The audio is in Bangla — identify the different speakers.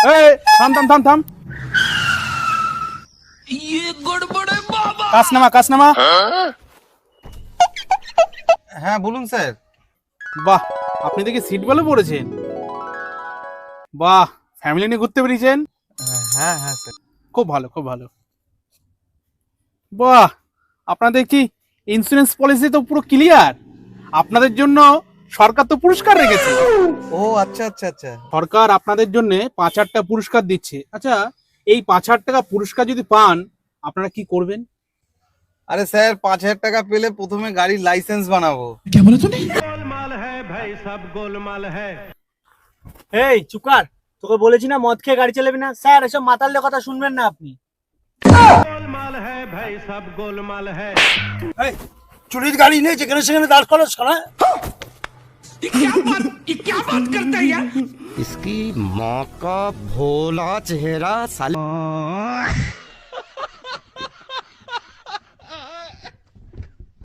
Speaker 1: এই থাম থাম থাম থাম, কাজ নামা।
Speaker 2: হ্যাঁ বলুন স্যার।
Speaker 1: বাহ, আপনি দেখি সিট বেল্টও পরেছেন। বাহ, ফ্যামিলি নিয়ে ঘুরতে বেরিয়েছেন।
Speaker 2: হ্যাঁ হ্যাঁ স্যার।
Speaker 1: খুব ভালো, খুব ভালো। বাহ, আপনাদের কি ইন্স্যুরেন্স পলিসি তো পুরো ক্লিয়ার। আপনাদের জন্য সরকার তো পুরস্কার রেখেছে।
Speaker 2: ও আচ্ছা আচ্ছা আচ্ছা।
Speaker 1: সরকার আপনাদের জন্য 5,000 টাকা পুরস্কার দিচ্ছে। আচ্ছা, এই 5,000 টাকা পুরস্কার যদি পান, আপনারা কি করবেন?
Speaker 2: আরে স্যার 5,000 টাকা পেলে প্রথমে গাড়ির লাইসেন্স বানাবো।
Speaker 3: এই চুকার, তোকে বলেছি না মদ খেয়ে গাড়ি চালাবি না। স্যার এসব মাতালদের কথা শুনবেন না আপনি।
Speaker 4: চুরির গাড়ি নেই, যেখানে সেখানে দাঁড় করাস না।
Speaker 5: इसकी माँ का भोला चेहरा साले